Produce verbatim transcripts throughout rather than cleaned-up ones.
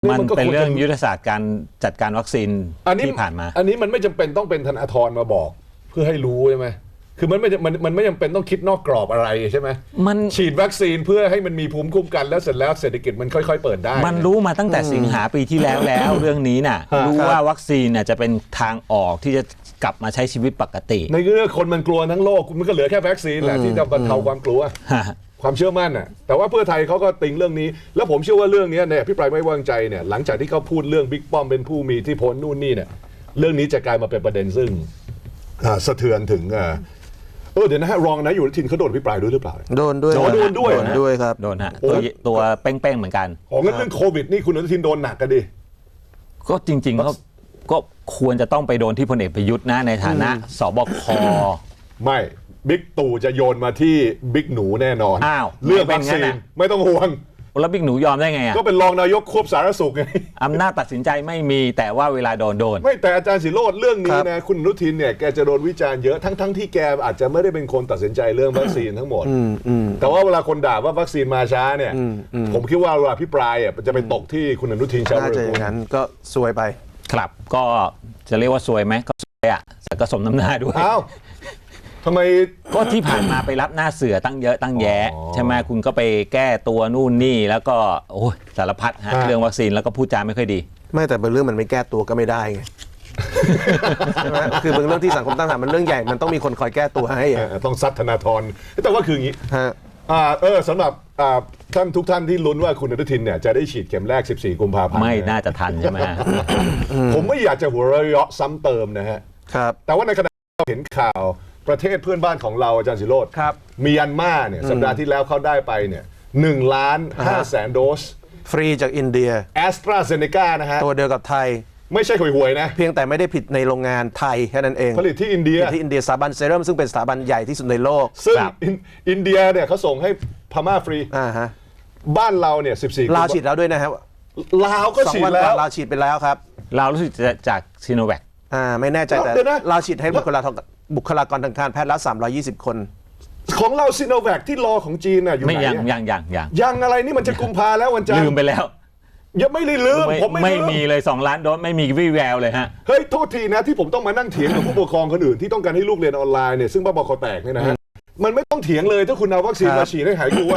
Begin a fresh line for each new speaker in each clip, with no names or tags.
มันเป็นเรื่องยุทธศาสตร์การจัดการวัคซีนที่ผ่านมา
อันนี้มันไม่จำเป็นต้องเป็นธนาธรมาบอกเพื่อให้รู้ใช่ไหมคือมันไม่มันมันไม่จำเป็นต้องคิดนอกกรอบอะไรใช่ไหมมันฉีดวัคซีนเพื่อให้มันมีภูมิคุ้มกันแล้วเสร็จแล้วเศรษฐกิจมันค่อยๆเปิดได้
มันรู้มาตั้งแต่สิงหาปีที่แล้วแล้วเรื่องนี้น่ะรู้ว่าวัคซีนน่ะจะเป็นทางออกที่จะกลับมาใช้ชีวิตปกติ
ในเรื่องคนมันกลัวทั้งโลกมันก็เหลือแค่วัคซีนแหละที่จะบรรเทาความกลัวความเชื่อมั่นน่ะแต่ว่าเพื่อไทยเขาก็ติงเรื่องนี้แล้วผมเชื่อว่าเรื่องนี้เนี่ยพี่ปรายไม่วางใจเนี่ยหลังจากที่เขาพูดเรื่องบิ๊กป้อมเป็นผู้มีที่พ้นนู่นนี่เนี่ยเรื่องนี้จะกลายมาเป็นประเด็นซึ่งสะเทือนถึงเออเดี๋ยวนะฮะรองนายอยู่ทินเขาโดนพี่ปรายด้วยหรือเปล่า
โดนด้วย
โดนด้วย
โดนด้วยครับ
โดนฮะตัวตัวเป้งๆเหมือนกัน
อ๋องั้นเรื่องโควิดนี่คุณอนุทินโดนหนักกันดิ
ก็จริงๆเขาก็ควรจะต้องไปโดนที่พลเอกประยุทธ์นะในฐานะสบค
ไม่บิ๊กตู่จะโยนมาที่บิ๊กหนูแน่นอน
อ้าว
เรื่องวัคซีนไม่ต้องห่วง
แล้วบิ๊กหนูยอมได้ไงอ่ะ
ก็เป็นรองนายกควบสาธารณสุขไง
อำนาจตัดสินใจไม่มีแต่ว่าเวลาโดนโดน
ไม่แต่อาจารย์ศิโรจน์เรื่องนี้นะคุณอนุทินเนี่ยแกจะโดนวิจารณ์เยอะทั้งทั้งที่แกอาจจะไม่ได้เป็นคนตัดสินใจเรื่องวัคซีนทั้งหมดแต่ว่าเวลาคนด่าว่าวัคซีนมาช้าเนี่ยผมคิดว่าเวลาพิปรายอ่ะจะไปตกที่คุณอนุทินชาญวิ
รุฬน่าจะอย่างนั้นก็ซวยไป
ครับก็จะเรียกว่าซวยไหมก็ซวยอ่ะแต่ก็สมน้ำหน้าด้วย
อ้าวทำไม
ก็ที่ผ่านมาไปรับหน้าเสือตั้งเยอะตั้งแยะใช่ไหมคุณก็ไปแก้ตัวนู่นนี่แล้วก็โอ้ยสารพัดฮะเรื่องวัคซีนแล้วก็พูดจาไม่ค่อยดี
ไม่แต่เป็นเรื่องมันไม่แก้ตัวก็ไม่ได้ไงใช่ไหมคือเป็นเรื่องที่สังคมตั้งคำถามมันเรื่องใหญ่มันต้องมีคนคอยแก้ตัวให้
ต้องซัดธนาธรแต่ว่าคืออย่างนี้เออสำหรับท่านทุกท่านที่ลุ้นว่าคุณอนุทินเนี่ยจะได้ฉีดเข็มแรกสิบสี่กุมภาพันธ์
ไม่น่าจะทันใช่ไหม
ผมไม่อยากจะหัวเราะซ้ำเติมนะฮะ
ครับ
แต่ว่าในขณะที่เราเห็นข่าวประเทศเพื่อนบ้านของเราอาจารย์ศิโรจน์เมียนมาเนี่ยสัปดาห์ที่แล้วเขาได้ไปเนี่ยหนึ่งล้านห้าแสนโดส
ฟรีจากอินเดีย
แอสตราเซเนกานะฮะ
ตัวเดียวกับไทย
ไม่ใช่ห่วยๆนะ
เพียงแต่ไม่ได้ผิดในโรงงานไทยแค่นั้นเอง
ผลิตที่อินเดีย
ที่อินเดียสถาบันเซรั่มซึ่งเป็นสถาบันใหญ่ที่สุดในโลก
ซึ่งอินเดียเนี่ยเขาส่งให้พม่าฟรี
อ่าฮะ
บ้านเราเนี่ยสิบสี่
ลาวฉีดแล้วด้วยนะครับ
ลาวก็ฉีดแล้ว
ลาวฉีดไปแล้วครับ
ลาวรู้สึกจากซีโนแวค
อ่าไม่แน่ใจแต่ลาวฉีดให้บุคลากรบุคลากรทางการแพทย์แล้วสามร้อยยี่สิบคน
ของเราซีโนแวคที่รอของจีนน่ะอยู่ไหน
ไม่ยังยังยังยัง
ยังอะไรนี่มันจะกุมภาแล้ววันจันทร์
ลืมไปแล้ว
ยังไม่ได้ลืมผม
ไม่มีเลยสองล้านโดสไม่มีวี่แววเลยฮะ
เฮ้ยโทษทีนะที่ผมต้องมานั่งเถียงกับผู้ปกครองคนอื่นที่ต้องการให้ลูกเรียนออนไลน์เนี่ยซึ่งบ้าบอคอแตกเนี่ยนะฮะมันไม่ต้องเถียงเลยถ้าคุณเอาวัคซีนมาฉีดให้หายกลัว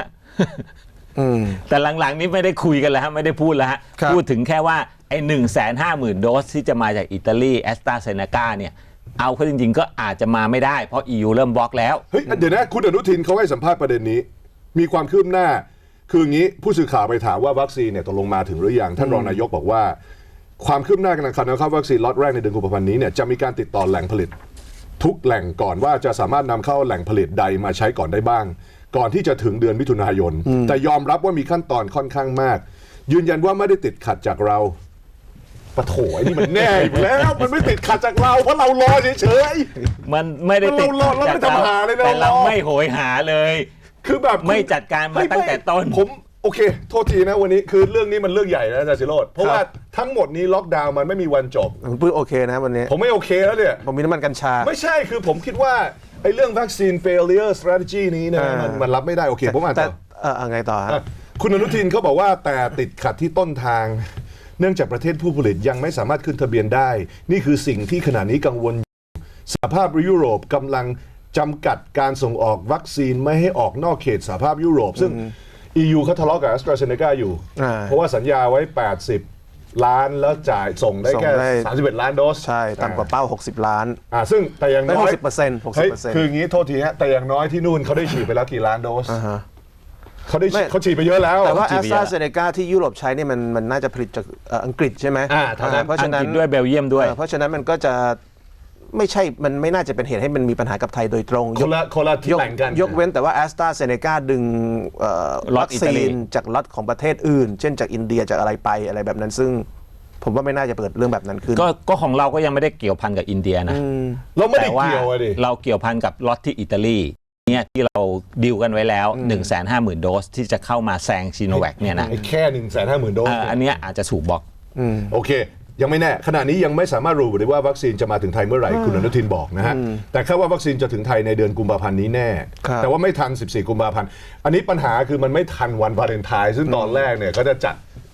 แต่หลังๆนี้ไม่ได้คุยกันแล้วฮะไม่ได้พูดแล้วฮะพูดถึงแค่ว่าไอ้หนึ่งแสนห้าหมื่นโดสที่จะมาจากอิตาลีแอสตราเซเนกาเนี่ยเอาเข้าจริงๆก็อาจจะมาไม่ได้เพราะ อี ยู เริ่มบล็อกแล้ว
เฮ้ยเดี๋ยวนะคุณอนุทินเขาให้สัมภาษณ์ประเด็นนี้มีความคืบหน้าคืออย่างนี้ผู้สื่อข่าวไปถามว่าวัคซีนเนี่ยตกลงมาถึงหรือยังท่านรองนายกบอกว่าความคืบหน้าการนำเข้าวัคซีนล็อตแรกในเดือนกุมภาพันธ์นี้เนี่ยจะมีการติดต่อแหล่งผลิตทุกแหล่งก่อนว่าจะสามารถนำเข้าแหล่งผลิตใดมาใช้ก่อนได้บ้างก่อนที่จะถึงเดือนมิถุนายนแต่ยอมรับว่ามีขั้นตอนค่อนข้างมากยืนยันว่าไม่ได้ติดขัดจากเราปะโถไอ้นี่มันแน่อยู่แล้วมันไม่ติดขัดจากเราเพราะเรารอเฉย
ๆมันไม่ได้ติดขัดจากเราแต่เราไม่โหยหาเลย
คือแบบ
ไม่จัดการมาตั้งแต่ต้น
ผมโอเคโทษทีนะวันนี้คือเรื่องนี้มันเรื่องใหญ่นะอาจารย์ศิโรจน์เพราะว่าทั้งหมดนี้ล็อกดาวน์มันไม่มีวันจบ
ผมพูดโอเคนะวันนี้
ผมไม่โอเคแล้วเนี่ย
ผมมีน้ำมันกัญชา
ไม่ใช่คือผมคิดว่าไอ้เรื่องวัคซีน failure strategy นี้เนี่ยมันมันรับไม่ได้โอเคผมอ่านต่อ
เออไงต่อฮะ
คุณอนุทินเขาบอกว่าแต่ติดขัดที่ต้นทางเนื่องจากประเทศผู้ผลิตยังไม่สามารถขึ้นทะเบียนได้นี่คือสิ่งที่ขณะนี้กังวลสหภาพยุโรปกำลังจำกัดการส่งออกวัคซีนไม่ให้ออกนอกเขตสหภาพยุโรปซึ่ง อี ยู เขาทะเลาะกับ AstraZeneca อยู่เพราะว่าสัญญาไว้แปดสิบล้านแล้วจ่ายส่งได้แค่สามสิบเอ็ดล้านโดส
ใช่ต่ำกว่าเป้าหกสิบล้าน
อ่าซึ่งแต่อย่างน้อย
หกสิบเปอร์เซ็นต์ หกสิบเปอร์เซ็นต์
คืออย่างงี้โทษทีฮะแต่อย่างน้อยที่นู่นเขาได้ฉีดไปแล้วกี่ล้านโดสเขาได้เขาฉีดไปเยอะแล้ว
แต่ว่า AstraZeneca ที่ยุโรปใช้เนี่ยมันมันน่าจะผลิตจากอังกฤษใช่ไหม
เพราะฉะนั้นด้วยเบลเยียมด้วย
เพราะฉะนั้นมันก็จะไม่ใช่มันไม่น่าจะเป็นเหตุให้มันมีปัญหากับไทยโดยตรง
คนละคนละที่แบ่งกัน
ยกเว้นแต่ว่า AstraZeneca ดึงวัคซีนจากล็อตของประเทศอื่นเช่นจากอินเดียจากอะไรไปอะไรแบบนั้นซึ่งผมว่าไม่น่าจะเปิดเรื่องแบบนั้นขึ้น
ก็ก็ของเราก็ยังไม่ได้เกี่ยวพันกับอินเดียนะ
เราไม่ได้เกี่ยวดิ
เราเกี่ยวพันกับล็อตที่อิตาลีเนี่ยที่เราดีลกันไว้แล้ว หนึ่งแสนห้าหมื่น โดสที่จะเข้ามาแซงซีโนแวคเนี่ยนะ
แค่ หนึ่งแสนห้าหมื่น โดส
อันนี้อาจจะถูกบล็อก
โอเคยังไม่แน่ขณะนี้ยังไม่สามารถรู้ได้ว่าวัคซีนจะมาถึงไทยเมื่อไหร่คุณอนุทินบอกนะฮะแต่คาดว่าวัคซีนจะถึงไทยในเดือนกุมภาพันธ์นี้แน่แต่ว่าไม่ทันสิบสี่กุมภาพันธ์อันนี้ปัญหาคือมันไม่ทันวันวาเลนไทน์ซึ่งตอนแรกเนี่ยก็จะจัด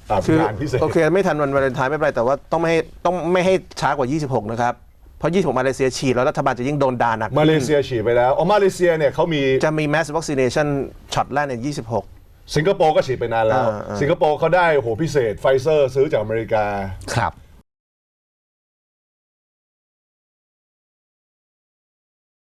อ่า
คือง
านพิเศษ
โอเคไม่ทันวันวาเลนไทน์ไม่เป็นไรแต่ว่าต้องไม่ให้ต้องไม่ให้ช้ากว่ายี่สิบหกนะครับเพราะยี่สิบหกมาเลเซียฉีดแล้วรัฐบาลจะยิ่งโดนด่าหนัก
มาเลเซียฉีดไปแล้วอ๋อมาเลเซียเนี่ยเขามี
จะมี mass vaccination ช็อตแรกในยี่สิบหก
สิงคโปร์ก็ฉีดไปนานแล้ว
อ่าอ่า
สิงคโปร์เขาได้โหพิเศษไฟเซอร์ซื้อจากอเมริกา
ครับ